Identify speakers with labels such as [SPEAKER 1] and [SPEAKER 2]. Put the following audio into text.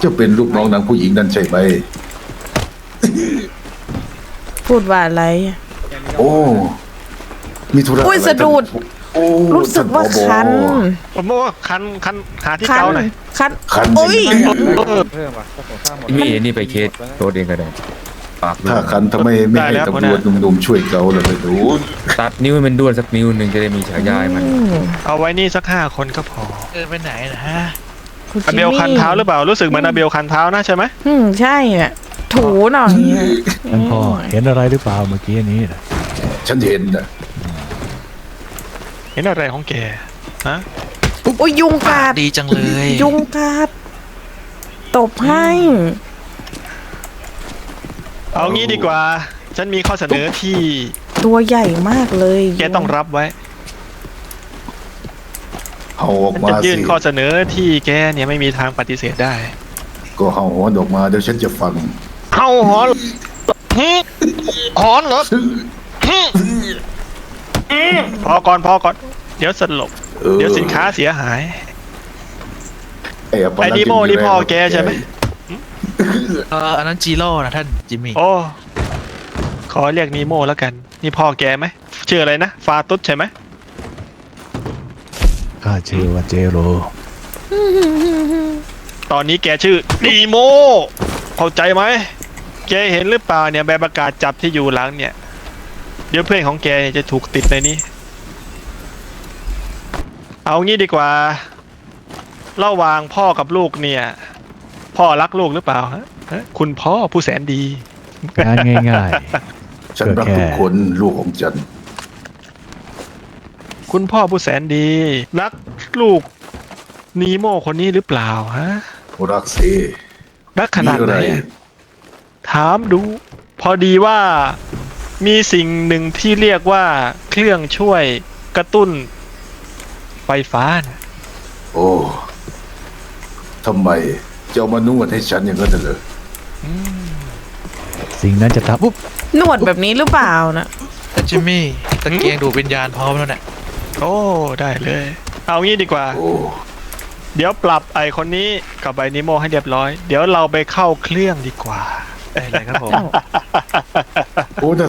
[SPEAKER 1] จะเป็นลูกน้องนางผู้หญิงนั่นใช่ไหม
[SPEAKER 2] พูดว่าอะไรอะ
[SPEAKER 1] โอ้มีธุระ
[SPEAKER 2] อุ้ย
[SPEAKER 1] อะไร
[SPEAKER 2] สะดุด
[SPEAKER 1] โอ้
[SPEAKER 2] รู้สึกว่าคัน
[SPEAKER 3] ผมบอกว่าคันหาที่
[SPEAKER 2] คัน
[SPEAKER 3] เกาหน่อย
[SPEAKER 2] คัน
[SPEAKER 1] คัน
[SPEAKER 2] โอ้ย
[SPEAKER 4] เพิ่มว่ะก็ผมสร้างหมด
[SPEAKER 5] มีนี่ไปเคสโทษเองก็ได้ปาก
[SPEAKER 1] ถ้าคันทำไมไม่ให้ตำรวจหนุ่มๆช่วยเกาเลยไปดู
[SPEAKER 5] ตัดนิ้วให้มันด้วนสักนิ้วหนึ่งจะได้มีฉายาให้มัน
[SPEAKER 3] เอาไว้นี่สัก5 คนก็พอ
[SPEAKER 6] ไปไหนนะฮะ
[SPEAKER 2] คุณ
[SPEAKER 3] อาเบลคันเท้าหรือเปล่ารู้สึกเหมือนอาเบลคันเท้านะใช่ไหม
[SPEAKER 2] ใช่อ่ะถูหน่อยอะ
[SPEAKER 7] ท่านพ่อเห็นอะไรหรือเปล่าเมื่อกี้นี้นะ
[SPEAKER 1] ฉันเห็นนะ
[SPEAKER 3] เห็นอะไรของแกฮะ
[SPEAKER 2] โอ้ยยุงกัด
[SPEAKER 6] ดีจังเลย
[SPEAKER 2] ยุงกัดตบให้
[SPEAKER 3] เอางี้ดีกว่า ฉันมีข้อเสนอที่
[SPEAKER 2] ตัวใหญ่มากเลย
[SPEAKER 3] แกต้องรับไว้
[SPEAKER 1] เอาออก
[SPEAKER 3] ฉัน
[SPEAKER 1] มา
[SPEAKER 3] จะยื่น
[SPEAKER 1] สิ
[SPEAKER 3] ข้อเสนอที่แกเนี่ยไม่มีทางปฏิเสธได้
[SPEAKER 1] ก็เอาหัวออกมาเดี๋ยวฉันจะฟัง
[SPEAKER 3] เฮาหอนหอนเหรอพอก่อนเดี๋ยวสลบเดี๋ยวสินค้าเสียหาย
[SPEAKER 1] อัป
[SPEAKER 3] ไอ้นิโม่นี่พ่อแกใช่ไหม
[SPEAKER 6] อันนั้นจีโร่นะท่านจิมมี่
[SPEAKER 3] โอ้ขอเรียกนีโม่แล้วกัน นี่พ่อแกไหมชื่ออะไรนะฟาตุสใช่ไหม
[SPEAKER 7] ข้าชื่อว่าเจโร
[SPEAKER 3] ตอนนี้แกชื่อนีโมเข้าใจไหมแกเห็นหรือเปล่าเนี่ยใบประกาศจับที่อยู่หลังเนี่ย เดี๋ยวเพื่อนของแกจะถูกติดในนี้ เอางี้ดีกว่าระหว่างพ่อกับลูกเนี่ย พ่อรักลูกหรือเปล่าฮะคุณพ่อผู้แสนดี
[SPEAKER 7] งานง่าย
[SPEAKER 1] ฉันรักทุกคนลูกของฉัน
[SPEAKER 3] คุณพ่อผู้แสนดี รักลูกนีโมคนนี้หรือเปล่าฮะ
[SPEAKER 1] รักสิ
[SPEAKER 3] รักขนาด
[SPEAKER 1] มีอะ
[SPEAKER 3] ไหน
[SPEAKER 1] ไร
[SPEAKER 3] อะถามดู พอดีว่ามีสิ่งหนึ่งที่เรียกว่าเครื่องช่วยกระตุ้นไฟฟ้านะ
[SPEAKER 1] โอ้ทำไมจะเอามานวดให้ฉันอย่างนั้นเหรอ
[SPEAKER 7] ๆ สิ่งนั้นจะทำปุ๊บ
[SPEAKER 2] หนวดแบบนี้หรือเปล่านะ
[SPEAKER 6] ท่านจิมมี่ตะเกียงดูดวิญญาณพร้อมแล้วเนี่ย
[SPEAKER 3] โอ้ได้เลย เอางี้ดีกว่า
[SPEAKER 1] โอ้
[SPEAKER 3] เดี๋ยวปรับไอคนนี้กับไอนิโมให้เรียบร้อย เดี๋ยวเราไปเข้าเครื่องดีกว่า
[SPEAKER 6] อะไรครับผม
[SPEAKER 1] โอ้น่า